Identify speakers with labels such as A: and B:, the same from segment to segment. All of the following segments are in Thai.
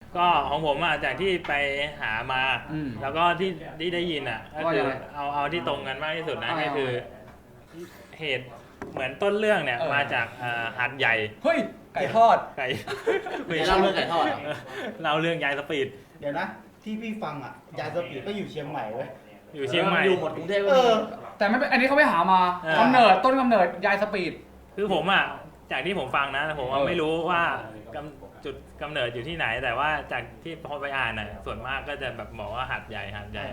A: ก็ของผมอ่ะจากที่ไปหามาแล้วก็ที่ได้ยินอ่ะก็คือเอาที่ตรงกันมากที่สุดนะก็คือเหตุเหมือนต้นเรื่องเนี่ยมาจากหาดใหญ่
B: เฮ้ยไก่ทอด
A: ไก่
C: เล่าเรื่องไก่ทอด
A: เล่าเรื่องยายสปีด
D: เดี๋ยวนะที่พี่ฟังอ่ะยายสปีดก็อยู่เชียงใหม่เว้ย
A: อยู่เชียงใหม่
C: อยู่หมดกรุงเทพ
B: แต่ไม่อันนี้เขาไม่หามากำเนิดต้นกำเนิดยายสปีด
A: คือผมอ่ะจากที่ผมฟังนะผมไม่รู้ว่าจุดกำเนิดอยู่ที่ไหนแต่ว่าจากที่พอไปอ่านน่ะส่วนมากก็จะแบบบอกว่าหาดใหญ่
B: หาดใหญ่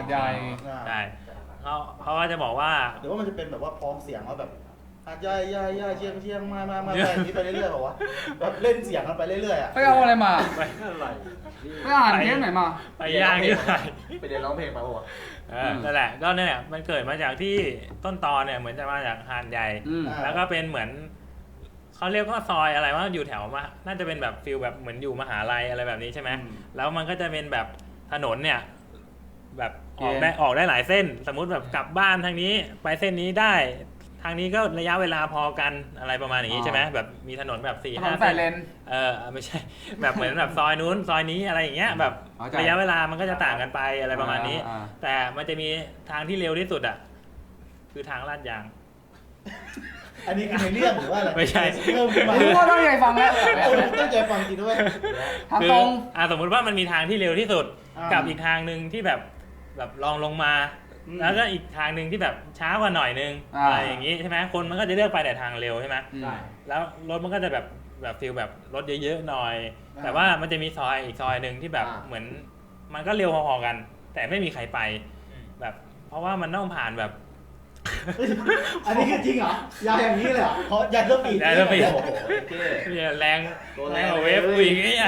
A: เขาก็จะบอกว่า
D: หรือว่ามันจะเป็นแบบว่าพ้องเสียงว่าแบบหาดใหญ่เชียงมาแบบนี้ไปเรื่อยๆหรอวะแบบเล่นเสียงกันไปเรื่อยๆอ่ะ
B: ไปเอาอะไรมา
A: ไป
B: อ่านเทปไหนมา
A: ไปย่างที่ไหน
C: ไปเรียนร้องเพลงมาป่ะ
A: นั่นแหละก็เนี่ยมันเกิดมาจากที่ต้นตอเนี่ยเหมือนจะมาจากหาดใหญ่แล้วก็เป็นเหมือนเขาเรียกว่าซอยอะไรว่าอยู่แถวมาน่าจะเป็นแบบฟิลแบบเหมือนอยู่มหาลัยอะไรแบบนี้ใช่ไหมแล้วมันก็จะเป็นแบบถนนเนี่ยแบบออกได้หลายเส้นสมมุติแบบกลับบ้านทางนี้ไปเส้นนี้ได้ทางนี้ก็ระยะเวลาพอกันอะไรประมาณอย่างนี้ใช่ไหมแบบมีถนนแบบ4-5
B: เส้น
A: ไม่ใช่แบบเหมือนแบบซอยนู้นซอยนี้อะไรอย่างเงี้ยแบบระยะเวลามันก็จะต่างกันไปอะไรประมาณนี้แต่มันจะมีทางที่เร็วที่สุดอ่ะคือทางลาดยาง
D: อันนี้คือในเรื่องหรือว่าอะไร
A: ไม่ใช่
B: คือว่าต้องใจฟังแล้ว
D: ต้องใจฟังจริงด้วย
B: ทางตรง
A: สมมุติว่ามันมีทางที่เร็วที่สุดกับอีกทางนึงที่แบบลองลงมาแล้วก็อีกทางนึงที่แบบช้ากว่าหน่อยนึงอะไรอย่างงี้ใช่ไหมคนมันก็จะเลือกไปแต่ทางเร็วใช่ไหมแล้วรถมันก็จะแบบฟีลแบบรถเยอะๆหน่อยแต่ว่ามันจะมีซอยอีกซอยนึงที่แบบเหมือนมันก็เร็วพอๆกันแต่ไม่มีใครไปแบบเพราะว่ามันต้องผ่านแบบ
D: อันนี้คือจริงเหรอยายอย่างนี้เลยเหรอเพราะยายต้องปีด
A: โอ้โหแรงเวฟอีกนี่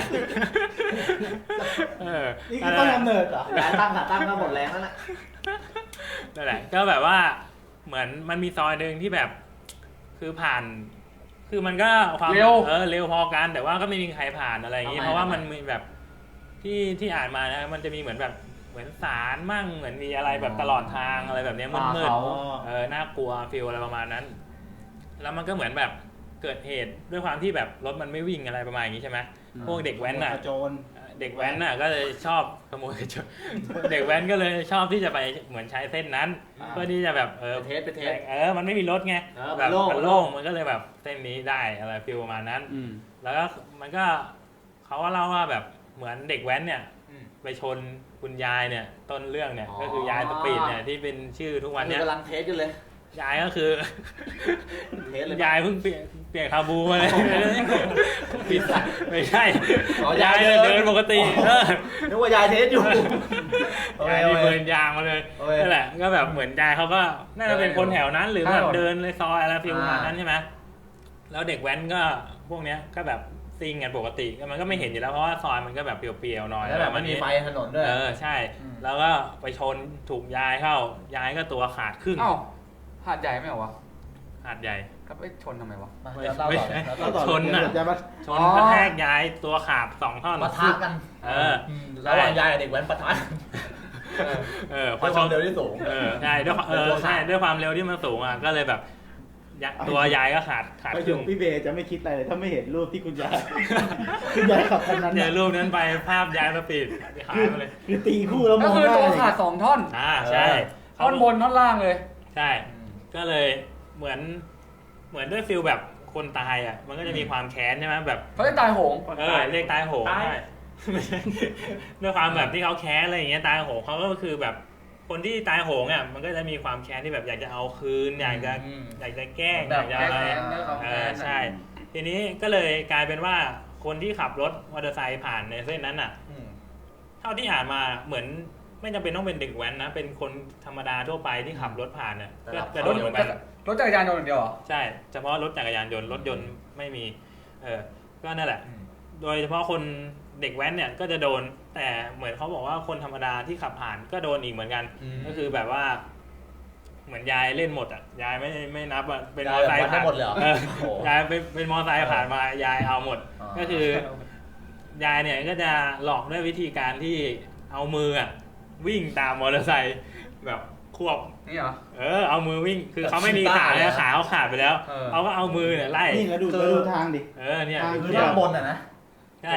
D: นี่คือต้องกำเนิดเหรอ
C: แรงตั้งก็หมดแรงแล้วนะ
A: นั่นแหละก็แบบว่าเหมือนมันมีซอยหนึ่งที่แบบคือผ่านคือมันก็ความเร็วพอกันแต่ว่าก็ไม่มีใครผ่านอะไรอย่างนี้เพราะว่ามันมีแบบที่อ่านมานะมันจะมีเหมือนแบบเหมือนสารมั่งเหมือนมีอะไรแบบตลอดทางอะไรแบบนี้มืดๆน่ากลัวฟีลอะไรประมาณนั้นแล้วมันก็เหมือนแบบเกิดเหตุด้วยความที่แบบรถมันไม่วิ่งอะไรประมาณอย่างนี้ใช่ไหมพวกเด็กแว้นน่ะเด็กแว้นน่ะก็เลยชอบขโมยกระโจนเด็กแว้นก็เลยชอบที่จะไปเหมือนใช้เส้นนั้นเพื่อที่จะแบบ
C: เทส
A: มันไม่มีรถไงแบบมันโล่งมันก็เลยแบบเส้นนี้ได้อะไรฟีลประมาณนั้นแล้วก็มันก็เขาก็เล่าว่าแบบเหมือนเด็กแว้นเนี่ยไปชนคุณยายเนี่ยต้นเรื่องเนี่ยก็คือยายสปีดเนี่ยที่เป็นชื่อทุกวันเนี่ย
C: กำลังเทสกันเลย
A: ยายก็คือเทสเลยยายเพิ่งเปลี่ยนคาบูมาเลยปิดไม่ใช่ยายเดินปกติ
C: นึกว่ายายเทสอยู่
A: ยายมีเบิร์นยางมาเลยนั่นแหละก็แบบเหมือนยายเขาก็น่าจะเป็นคนแถวนั้นหรือแบบเดินเลยซอยอะไรฟิลประมาณนั้นใช่ไหมแล้วเด็กแว้นก็พวกเนี้ยก็แบบซิ่งกันปกติมันก็ไม่เห็นอยู่แล้วเพราะว่าซอยมันก็แบบเปลี่ยวๆหน่อย
C: แล้วแบบมันมีไฟถนนด้วย
A: ใช่แล้วก็ไปชนถูกยายเข้ายายก็ตัวขาดครึ่ง
B: หาดใหญ่ไม่เหรอวะ
A: หาดใหญ่
B: ก็ไปชนทำไมวะ
A: ไม่ใช่ชนน่ะชนกระแทกยายตัวขาด2 ท่อน
C: ปะทะกันระหว่างยายกับเด็กแว้นปะทะ
A: พอ
C: ชนเร็วที่สูง
A: ใช่ด้วยความเร็วที่มันสูงอ่ะก็เลยแบบตัวยายก็ขาด
D: ครึ่งพี่เบย์จะไม่คิดอะไรเลยถ้าไม่เห็นรูปที่คุณยายขับคันนั้น
A: เนี่ยรูปนั้นไปภาพยายสปีดหายไปเลย
D: คือตีคู่แล้วมอง
B: ก็คือตัวขาด2 ท่อน
A: ใช่
B: ท่อนบนท่อนล่างเลย
A: ใช่ก็เลยเหมือนด้วยฟิลแบบคนตายอ่ะมันก็จะมีความแค้นใช่ไหมแบบ
B: เขาเรียกตายโหง
A: เรียกตายโหงใช่ด้วยความแบบที่เขาแค้นอะไรอย่างเงี้ยตายโหงเขาก็คือแบบคนที่ตายโหงอ่ะมันก็จะมีความแค้นที่แบบอยากจะเอาคืนอยากจะแกล้งอยากจะอะไรใช่ทีนี้ก็เลยกลายเป็นว่าคนที่ขับรถมอเตอร์ไซค์ผ่านในเส้นนั้นอ่ะเท่าที่อ่านมาเหมือนไม่จำเป็นต้องเป็นเด็กแว้นนะเป็นคนธรรมดาทั่วไปที่ขับรถผ่านเนี่ยก็จะโดนเหมือนกัน
B: รถจักรยานยนต์อย่างเดียวเหรอ
A: ใช่เฉพาะรถจักรยานยนต์รถยนต์ไม่มีก็นั่นแหละโดยเฉพาะคนเด็กแว้นเนี่ยก็จะโดนแต่เหมือนเขาบอกว่าคนธรรมดาที่ขับผ่านก็โดนอีกเหมือนกันก็คือแบบว่าเหมือนยายเล่นหมดอ่ะยายไม่นับอ่ะเป็นมอเตอร์ไซค์ผ่านยายเป็นมอเตอร์ไซค์ผ่านมายายเอาหมดก็คือยายเนี่ยก็จะหลอกด้วยวิธีการที่เอามืออ่ะวิ่งตามมอเตอร์ไซค์แบบควบ
B: นี่เหรอ
A: เอามือวิ่งคือเขาไม่มีขาเลยขาเขาขาดไปแล้วเขาก็เอามือเนี่ยไล่
D: นี่แล้วดูทางดิ
A: เนี่ย
C: ทางบนอ่ะนะถูกป่ะ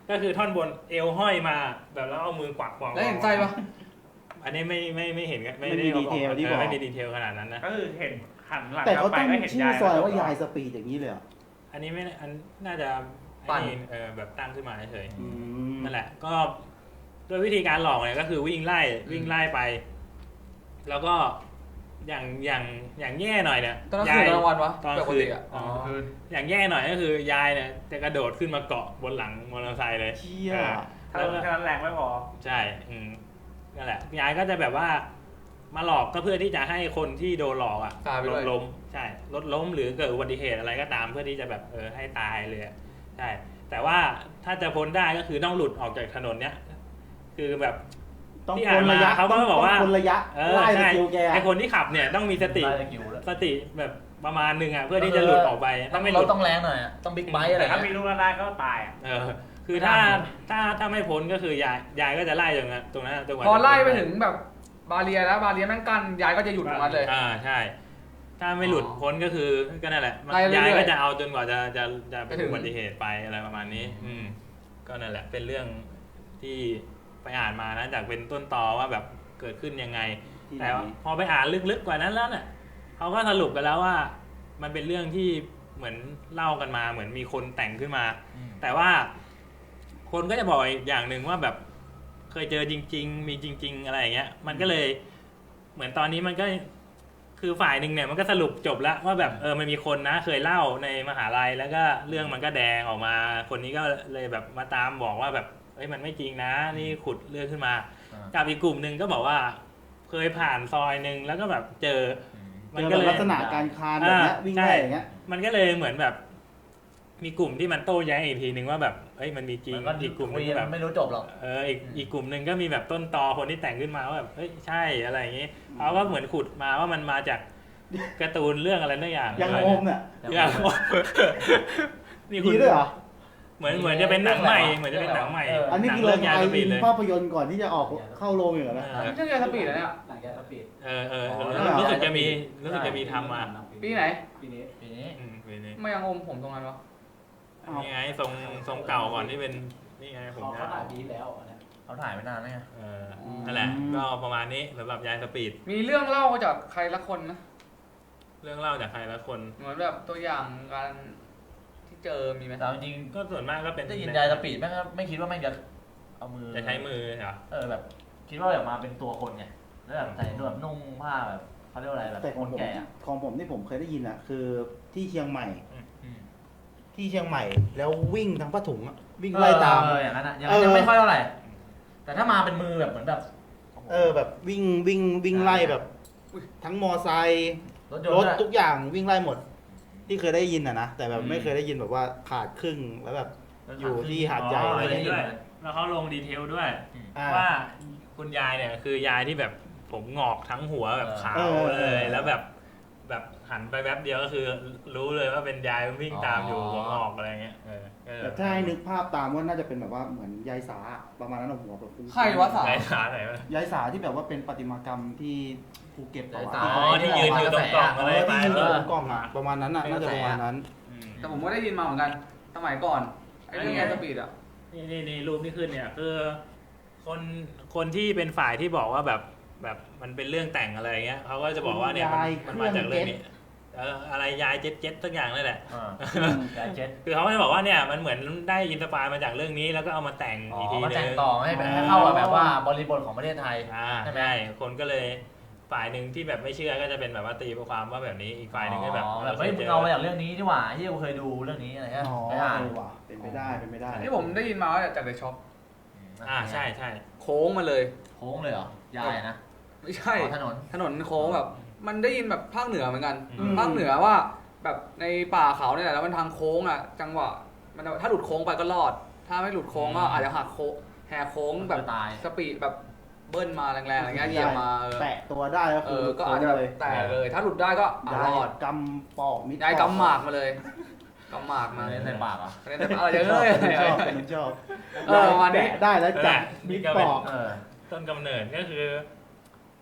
A: ก็คือท่อนบนเอวห้อยมาแบบแล้วเอามือกวักมอง
B: แล้วเห็นไส้ปะ
A: อันนี้ไม่เห็นกันไม่ได้
D: ไม่มีดีเทลที่บอก
A: ไม่มีดีเทลขนาดนั้นนะ
E: ก็คือเห็นหันหลัง
D: แต่เขา
E: ไป
D: ตั้ง
E: ก็เห็น
D: ชื่อย
E: าย
D: ซอยว่ายายสปีดอย่างนี้เลยเหรอ
A: อันนี้ไม่อันน่าจะ
C: ปั่น
A: แบบตั้งขึ้นมาเฉย
D: อืม
A: นั่นแหละก็โดยวิธีการหลอกเนี่ยก็คือวิ่งไล่ไป แล้วก็อย่างแย่หน่อยเนี่ย
B: ตอนนั้นคืนกลางวันวะ
A: ตอน
B: ปก
A: คืน
B: ติอ่ะ
A: อ๋ออย่างแย่หน่อยก็คือยายเนี่ยจะกระโดดขึ้นมาเกาะบนหลังมอเตอร์ไซค์เลย
D: เชี่ย
E: ถ้าแค่นั้นแรงไม่พอ
A: ใช่นั่นแหละยายก็จะแบบว่ามาหลอกก็เพื่อที่จะให้คนที่โดนหลอกอ่ะ
B: ตายไป
A: ร
B: ด้ว
A: ถ
B: ย
A: ล้มใช่รถล้มหรือเกิดอุบัติเหตุอะไรก็ตามเพื่อที่จะแบบให้ตายเลยอะใช่แต่ว่าถ้าจะพ้นได้ก็คือต้องหลุดออกจากถนนเนี้ยคือแบบ
D: ต้อง
A: ที่
D: ค
A: อ่าน
D: น
A: มา
D: ระยะ
A: เขาก็บอกว่า
D: ต้องคนระยะไล่ส
A: ใช่
D: กิลแก
A: ไอคนที่ขับเนี่ยต้องมีสติ
C: ไล่สกิลแล้ว
A: สติแบบประมาณหนึ่งอ่ะเพื่อที่จะหลุดออกไปถ้าไม่ห
C: ร
A: ลุ
C: ถ
A: ด
C: ต้องแรงหน่อยอะต้องบิ๊กไบค์อะไร
E: แต่ถ้ามี
C: เงี้ย
E: ลูกได้ก็ตายอะ
A: คือถ้าไม่พ้นก็คือยายก็จะไล่ตรงนั้นจนกว่า
B: พอ
A: จะ
B: ไล่ไปถึงแบบบาเรียแล้วบาเรียแม่งกั้นยายก็จะหยุดตรงนั้นเลย
A: ใช่ ถ้าไม่หลุดพ้นก็คือก็นั่นแหละ
B: ไล่เรื่อยๆ
A: ยายก็จะเอาจนกว่าจะเป็น
B: ไปถึง
A: อุบัติเหตุไปอะไรประมาณนี้ ก็นั่นแหละเป็นเรื่องที่ไปอ่านมานะจากเป็นต้นตอว่าแบบเกิดขึ้นยังไง
D: ที่ไหน
A: แต่พอไปอ่านลึกๆกว่านั้นแล้วเนี่ยเขาก็สรุปกันแล้วว่ามันเป็นเรื่องที่เหมือนเล่ากันมาเหมือนมีคนแต่งขึ้นมา แต่ว่าคนก็จะบอกอีกอย่างหนึ่งว่าแบบเคยเจอจริง ๆ มีจริง ๆ อะไรอย่างเงี้ย มันก็เลยเหมือนตอนนี้มันก็คือฝ่ายหนึ่งเนี่ยมันก็สรุปจบแล้วว่าแบบมันมีคนนะเคยเล่าในมหาลัยแล้วก็เรื่องมันก็แดงออกมา คนนี้ก็เลยแบบมาตามบอกว่าแบบเฮ้ยมันไม่จริงนะนี่ขุดเรื่องขึ้นมากับอีกกลุ่มหนึ่งก็บอกว่าเคยผ่านซอยหนึ่งแล้วก็แบบเจอ
D: เจอแบบลักษณะการคานแบบเนี้ยวิ่งไล่อย่างเงี้ย
A: มันก็เลยเหมือนแบบ มีกลุ่มที่มันโต้แย้งอีกทีนึงว่าแบบเฮ้ยมันมีจริง
C: มันก็
A: อีกกลุ่มนึ
C: คุ
A: ง
C: ย
A: ก็แบบ
C: ไม่รู้จบหรอก
A: อีกกลุ่มหนึ่งก็มีแบบต้นตอคนที่แต่งขึ้นมาว่าแบบเฮ้ยใช่อะไรอย่างงี้เขาก็เหมือนขุดมาว่ามันมาจากการ์ตูนเรื่องอะไรนั่นอย่าง
D: ยังโอมเนี่ย
A: อย่างโอมนี่คุ
D: ดี
A: ณ
D: ด้วยเหรอ
A: เหมือนจะเป็นหนังใหม่เหมือนจะเป็นหนังใหม่
D: อันนี้คือ
A: ห
D: เรา
A: งยา
D: ถ่าย
A: สปีดเลย
D: ภาพยนตร์ก่อนที่จะออกเข้าโรงอยู่แล้วนะ
B: ไม่ใช่ยายสปีดนะเนี่ย
C: หลังจากสปีด
A: รู้สึกจะมีทำมา
B: ปีไหน
C: ปีนี้
A: ปีนี้
B: ไม่ยังอมผมตรงนั้นวะ
A: นี่ไงทรงเก่าก่อนที่เป็นนี่ไงผม
C: เขาถ่ายปีแล้วเนี่ยเขาถ่ายไม่นานแล้วไง
A: นั่นแหละก็ประมาณนี้สำหรับยายสปีด
B: มีเรื่องเล่าจากใครละคนนะ
A: เรื่องเล่าจากใครละคน
B: เหมือนแบบตัวอย่างการที่เจอมีไหม
C: แต่จริง
A: ก็ส่วนมากก็เป็น
C: ได้ยินยายสปีดแม่งก็ไม่คิดว่าแม่งจะเอามือ
A: จะใช้มือเหรอ
C: แบบคิดว่าแบบมาเป็นตัวคนไงแล้วแบบใส่แบบนุ่งผ้าแบบเขาเรียกว่าอะไรแบบ
D: แต่
C: คนแก่อะ
D: ของผมที่ผมเคยได้ยินอ่ะคือที่เชียงใหม่ ที่เชียงใหม่แล้ววิ่งทั้งผ้าถุงอะวิ่งไล่ตาม
C: อย่างนั้นอะอย่างนั้นยังไม่ค่อยเท่าไหร่แต่ถ้ามาเป็นมือแบบเหมือนแบบ
D: แบบวิ่งไล่แบบ ทั้งมอไซค์
C: รถย
D: ร
C: น
D: ถ
C: ต์
D: ทุกอย่างวิ่งไล่หมด ที่เคยได้ยินอ่ะนะแต่แบบไม่เคยได้ยินแบบว่าขาดครึ่งแล้วแบบอยู่ที่หาดใหญ่
A: อ๋อ
D: อะไร
A: อันนี้
D: เงี้ย
A: ด้วยแล้วเขาลงดีเทลด้วย
D: อ่า
A: ว่าคุณยายเนี่ยคือยายที่แบบผมงอกทั้งหัวแบบขาว
D: เออ
A: เลยแล้วแบบหันไปแป๊บเดียวก็คือรู้เลยว่าเป็นยายวิ่งตามอยู่หัวงอกอะไรเงี้ยก็
D: แต่ถ้าให้นึกภาพตามว่าน่าจะเป็นแบบว่าเหมือนยายสาประมาณนั้นอะหัวแบบ
B: ใครวะสา
A: ยายขาไหนวะ
D: ยายสาที่แบบว่าเป็นประติมากรรมที่ภูเก็ต
C: ยาย
D: วะ
C: สา
A: อ๋อที่ยืนอยู่ตรงกล่องอะไรไป
D: ที่ยืนอยู่ตรงกล้องอ่ะประมาณนั้นอ่ะน่าจะประมาณนั้น
B: แต่ผมก็ได้ยินมาเหมือนกันสมัยก่อนไอ้เรื่องยายสปีดอ่ะ
A: นี่รูปที่ขึ้นเนี่ยคือคนที่เป็นฝ่ายที่บอกว่าแบบมันเป็นเรื่องแต่งอะไรเงี้ยเขาก็จะบอกว่าเนี่ยมันมาจากเรื่องนี้อะไรยายเจ็ดสักอย่างนั่นแหละ
C: ยายเจ็ด
A: คือเขาก็จะบอกว่าเนี่ยมันเหมือนได้อินสปายมาจากเรื่องนี้แล้วก็เอามาแต่งอีกที
C: มา
A: นึ
C: แต่ง
A: ง
C: ต่อให้เข้ากับแบบว่าบริบทของประเทศไทย ใช่ไหม
A: ใช่คนก็เลยฝ่ายหนึ่งที่แบบไม่เชื่อก็จะเป็นแบบว่าตีความว่าแบบนี้อีกฝ่ายหนึ่งก็แบบ
C: เฮ้ยมึงเอามาจากเรื่องนี้ดีกว่าที่กูเคยดูเรื่องนี้อะไรเงี้ย
D: อ๋อ
C: ไปอ่าน
D: ว่ะเป็นไปได้เป็นไปได้
B: ที่ผมได้ยินมาว่าจากเดอะช็อป
A: ใช่
B: โค้งมาเลย
C: โค้งเลยเหรอยายนะ
B: ไม่ใช่
C: ถนน
B: ถนนโค้งแบบ มันได้ยินแบบภาคเหนือเหมือนกัน
D: อืม
B: ภาคเหนือว่าแบบในป่าเขาเนี่ยแหละแล้วมันทางโค้งอ่ะจังหวะมันถ้าหลุดโค้งไปก็รอด ถ้าไม่หลุดโค้งก็อาจจะหักโค้งแหกโค้งแบบ
C: ตาย
B: สปีดแบบเบิ้ลมาแรงๆอะไรเงี้ยเหยียบมา
D: แตะตัวได้ก็คือ
B: ก็อาจจะแบบแตกเลย ถ้าหลุดได้ก็ร
D: ยาย
B: อด
D: กำปอกมิด
B: ยายกำหมากมาเลยกำหมากมา
C: เล่นในปากอ่ะ
B: เล่นแต่อะไรเอ้ย
D: เป็นชอบ
B: ประมาณนี้
D: แตะได้แล้วจับมิดปอก
A: ต้นกำเนิดก็คือ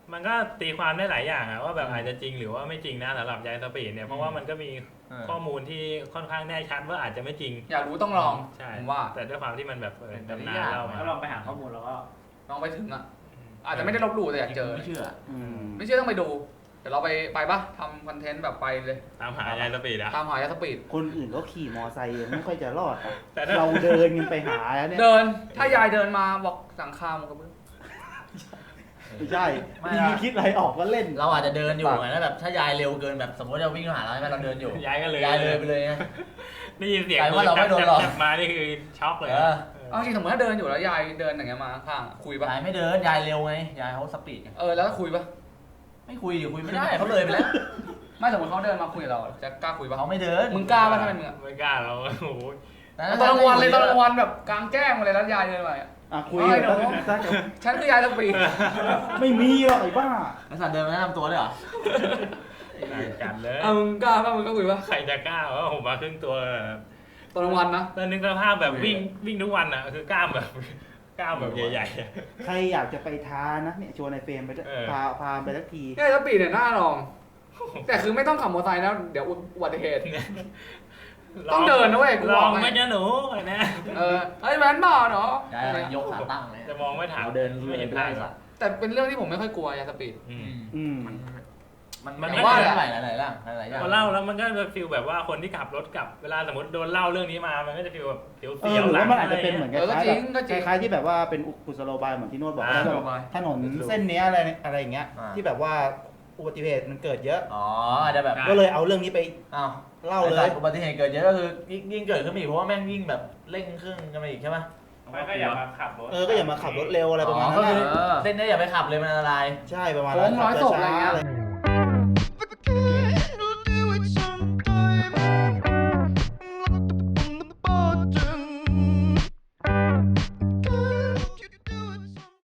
A: มันก็ตีความได้หลายอย่างอะว่าแบบอาจจะจริงหรือว่าไม่จริงนะสำหรับยายสปีดเนี่ยเพราะว่ามันก็มีข้อมูลที่ค่อนข้างแน่ชัดว่าอาจจะไม่จริง
B: อยากรู้ต้องลอง
A: ใช่
B: ผมว่า
A: แต่ด้วยความที่มันแบบดำนานเล่ามา
E: ก็ลองไปหาข้อมูลแล้วก็
B: ลองไปถึงอ่ะอาจจะไม่ได้ลบหลู่แต่อยากเจอ
C: ไม่เชื่อ
B: ไม่เชื่อต้องไปดู เดี๋ยวเราไปปะทำคอนเทนต์แบบไปเลย
A: ตามหายายสปีดอะ
B: ตามหายาสปีด
D: คนอื่นก็ขี่มอไซค์ยังไม่ค่อยจะรอดอะ
A: แต่ถ้า
D: เราเดินกันไปหาเนี่ย
B: เดินถ้ายายเดินมาบอกสั่งข้าวมันก็เบื่อ
D: ไม่ใช่
C: ไม่
D: พี่คิดอะไรออกก็เล่น
C: เราอาจจะเดินอยู่ไงแล้วแบบถ้ายายเร็วเกินแบบสมมติเราวิ่งมาหาเราใช่ไหมเราเดินอยู่
A: ยายก็เลย
C: ยายเลยไปเลยไง
A: ได้ยินเสียง
C: กลายว่าเราไม่โดนหลอก
A: แทบมานี่คือช็อกเลย
C: เออ
B: เอาจริงสมมติถ้าเดินอยู่แล้วยายเดินอย่างเงี้ยมาข้างคุยปะ
C: ยายไม่เดินยายเร็วไงยายเขาสปีดไง
B: แล้วคุยปะ
C: ไม่คุยดิคุยไม่ได้เขาเลยไปแล้ว
B: ไม่สมมติเขาเดินมาคุยกับเราจะกล้าคุยปะ
C: เขาไม่เดิน
B: มึงกล้าปะถ้าเป็นมึงอะ
A: ไม่กล้าเราโอ้โห
B: ตอนกลางวันเลยตอนกลางวันแบบกลางแจ้งมาเลยแล้วยายเดินมาอะ
D: อ่ะคุย
B: ไม่
D: กัน
B: เดี๋ยว
D: สัก
B: ฉันคือยายสปีด
D: ไม่มีหรอกไอ้บ้า
C: แล้วสันเดินมาแนะนำตัวด้วยเหรอ
A: ต่างกันเลย
B: มึงกล้าปะมึงก็คุยปะ
A: ใครจะกล้าว่าผมมาครึ่งตัว
B: ตอนกลางวันนะ
A: แล้วนึกสภาพแบบวิ่งทุกวันอ่ะคือกล้ามแบบใหญ่ๆอะ
D: ใครอยากจะไปท้านะเนี่ยชวนในเฟรมไปด้วย
A: เออ
D: พาไปสักที
B: ยายสปีดเนี่ยน่าลอง แต่คือไม่ต้องขับมอเตอร์ไซค์นะเดี๋ยวอุบัติเหตุ ต้องเดินนะเว้ยกู
A: ล
B: บ
A: อ
B: อง ก
A: ไม่
B: ให้
A: จะหนูอะไรนะ
B: เฮ้ยแมนบ้าเนาะ
C: ยายยกขาตั้งเลย
A: จะมองไม่ถาม
C: เราเดิน
A: ไม่เห็น
C: ไล่
A: ทาง
C: สัตว์
B: แต่เป็นเรื่องที่ผมไม่ค่อยกลัวยายสปีด
A: อืม
D: อืม
C: มัน
A: มัน
C: ไม่
A: ว่า
C: ว่าหลายๆอย่างหลายๆอย่าง
A: พอเล่าแล้วมันก็จะฟีลแบบว่าคนที่ขับรถกลับเวลาสมมติโดนเล่าเรื่องนี้มามันก็จะฟีลแบบเสี
D: เออ
A: ยว
D: หรือ
A: ๆหลั
D: ว่าง มันอาจจะเป็นเหมือน
B: เออก็
D: คล้าย
B: จ
D: ๆ
B: ริ
D: แบ
B: ง
D: บ
B: ก็จริง
D: คล้ายๆที่แบบว่าเป็นกุศโลบายเหมือนที่โน้ตบอก
A: อ่า
D: แล้วแบบถนนเส้นเนี้ยอะไรอย่างเงี้ยที่แบบว่าอุบัติเหตุมันเกิดเยอะ
C: อ๋ออาจจะแบบ
D: ก็เลยเอาเรื่องนี้ไป
C: อ้าว
D: เล่าเล
C: ไอ้
D: ย
C: สัตว์อุบัติเหตุเกิดเยอะก็คือยิ่งเกิดขึ้นมาอีกเพราะว่าแม่งยิ่งแบบเร่งเครื่องกันมาอีกใช่ไหม
E: ไม่ก็อย่ามาขับรถ
D: ก็อย่ามาขับรถเร็วอะไรประมาณนั้น
C: ก็คือ
D: นะ
C: เส้นนี้อย่าไปขับเลยมันอันตราย
D: ใช่ประมาณ
B: โค้
D: นั้น
B: งร้อยศพอะไรเงี้ย
D: ช้าๆ